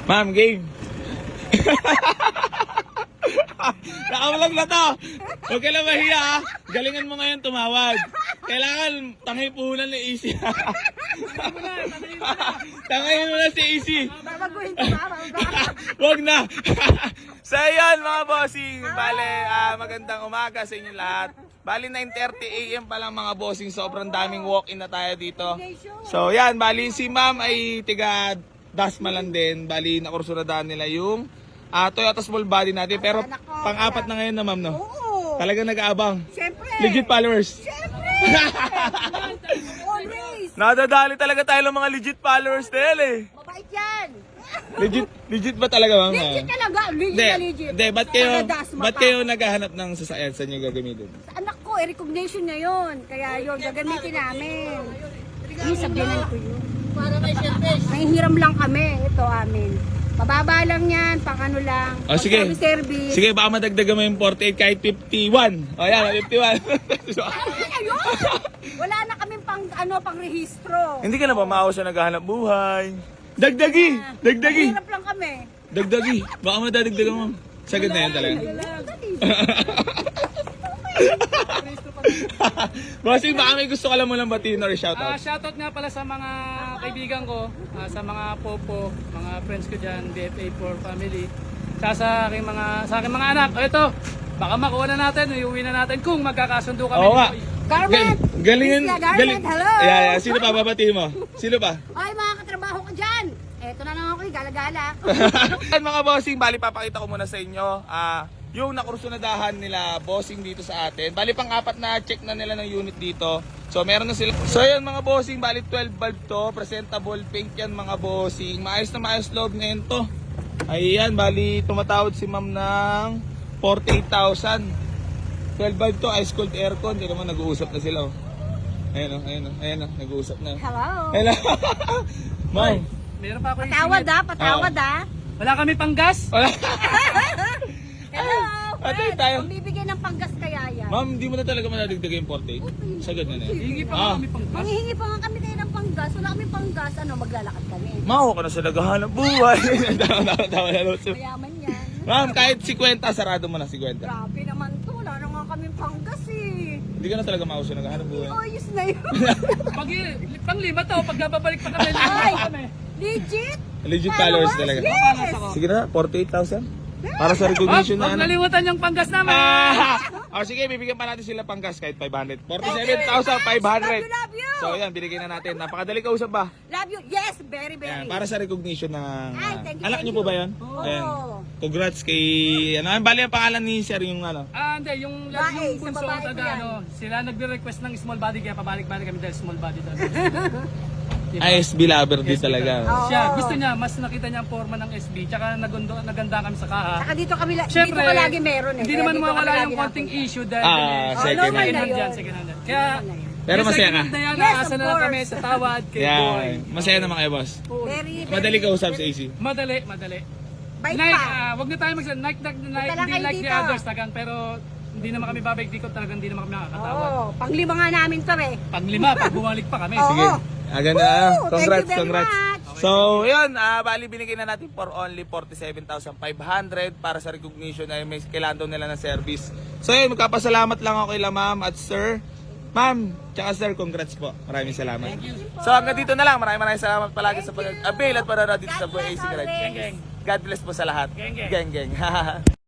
Ma'am, game. Nakamalag na to. Huwag ka lang mahiya ha. Galingan mo ngayon tumawag. Kailangan tangay puhunan ni Easy. Tangayin mo na si Easy. Babaguhin ko ba? Huwag na. So ayan mga bossing. Bale, magandang umaga sa inyo lahat. Bali 9:30 AM pa lang mga bossing. Sobrang daming walk-in na tayo dito. So yan, bali si ma'am ay tiga Dasmalan din. Bali nakursuradaan nila yung Toyota small body natin. Pero pang-apat na ngayon na ma'am, no? Oo. Talagang nag-aabang. Siyempre. Legit followers. Siyempre. Always. Nadadali talaga tayo ng mga legit followers nila eh. Mabait yan. Legit ba talaga ma'am? Legit talaga. Legit na legit. Hindi, ba't Taga-Dasma pa. kayo naghahanap ng sasakyan? Saan nyo gagamitin? Sa anak ko, recognition niya yun. Kaya yun, gagamitin namin. Yung sabihan ko yun. Nanghihiram lang kami. Ito amin. Mababa lang yan, pang ano lang. Oh, sige. Service. Sige, baka madagdagan mo yung 48 kahit 51. O yan, 51. Ano yun? Wala na kaming pang rehistro. Hindi ka na ba maawa sa naghahanap buhay? Dagdagi! Dagdagi! Hirap lang kami. Dagdagi! Baka madadagdagan mo. Sagad na yan talaga. Bossing, baka may gusto ka lang mo lang batiin or shoutout. Shoutout nga pala sa mga kaibigan ko, sa mga popo, mga friends ko dyan, BFA4 family, sa aking mga anak. O ito, baka makuha na natin, iuwi na natin kung magkakasundo kami. Oo nga. Garment! Galingan. Garment, hello! Yeah. Sino pa babatiin mo? Sino pa? Ay, mga katrabaho ko dyan! Eto na lang ako, gala-gala. Yan mga bossing, bali papakita ko muna sa inyo yung nakursunadahan nila bossing dito sa atin. Bali pang-apat na check na nila ng unit dito. So meron na sila. So yan mga bossing, bali 12 bulb to, presentable paint yan mga bossing. Maayos na maayos loob ngayon to. Ayan, bali tumatawad si ma'am ng 48,000. 12 bulb to, ice cold aircon. Hindi naman nag-uusap na sila. Oh. Ayan o, nag-uusap na. Hello! Hello. Ma'am. Meron pa ako Patawad ah. Wala kami pang gas. Wala. Hello! Atay Fred, tayo. kung bibigyan ng panggas kaya yan. Ma'am, hindi mo na talaga madadagdag yung 48. Sagad na na yan. Hingi pa nga kami pang gas. Manghihingi pa nga kami kayo ng panggas. Wala kami panggas. Ano, maglalakad kami. Maho ka na sa naghahanap buhay. Tawa na Lutso. Mayaman yan. Ma'am, kahit 50, sarado mo na 50. Grabe naman to. Wala na nga kami panggas eh. Hindi ka na talaga maho sa naghahanap buhay. Ayos na yun. Pang lima to, pag babalik pa kami, Ay! kami. Legit? Legit followers talaga. Yes! Sige na, 48,000. Para sa recognition na Huwag ano. nalimutan yung panggas namin. Sige, bibigyan pa natin sila panggas kahit 500. 47,500. Love you! So yan, binigay na natin. Napakadali kausap ba? Love you. Yes, very, very. Ayan, para sa recognition ng Ay, thank you, anak thank niyo po you. ba 'yan? Oo. Ayan. Congrats kay bali ang pangalan ni Sir yung ano. Hindi, yung Bae, bunso sa babae ko taga yan. sila nagre-request ng small body kaya pabalik-balik kami dahil small body talaga. Diba? SB lover din SB talaga. Oo. Siya, gusto niya, mas nakita niya ang forma ng SB, tsaka naganda kami sa kaha. Saka dito kami, Siyempre, dito ka lagi meron eh. Hindi Kaya naman dito mawala kami yung lagi konting napunta. issue dahil Second normal hand. na yun. Dyan, second hand. Kaya, Pero yung masaya second ka? hand na yan, Yes, naasa of na lang kami course. sa tawad kay Boy. Yan. Masaya naman kayo, boss. Very, very. Madali kausap sa AC. Madali. Bait Like, pa. wag na tayo like, lang hindi kayo like the dito. others tagang, pero hindi naman kami babalik dito, talagang hindi naman kami nakakatawad. Oo, panglima nga namin to eh. Pag-5, pag bumalik pa kami. Oo. Sige. Ganda. Woo! Congrats, Thank you very congrats. much. So, yun, bali binigay na natin for only 47,500 para sa recognition ay may kailangan daw nila ng service. So, yun, magkapasalamat lang ako kay ma'am at sir. Ma'am, tsaka sir, congrats po. Maraming salamat. So, hanggang dito na lang. Maraming salamat palagi sa pag-avail at para dito sa Boy AC Garage. Geng. God bless po sa lahat. Geng. Geng.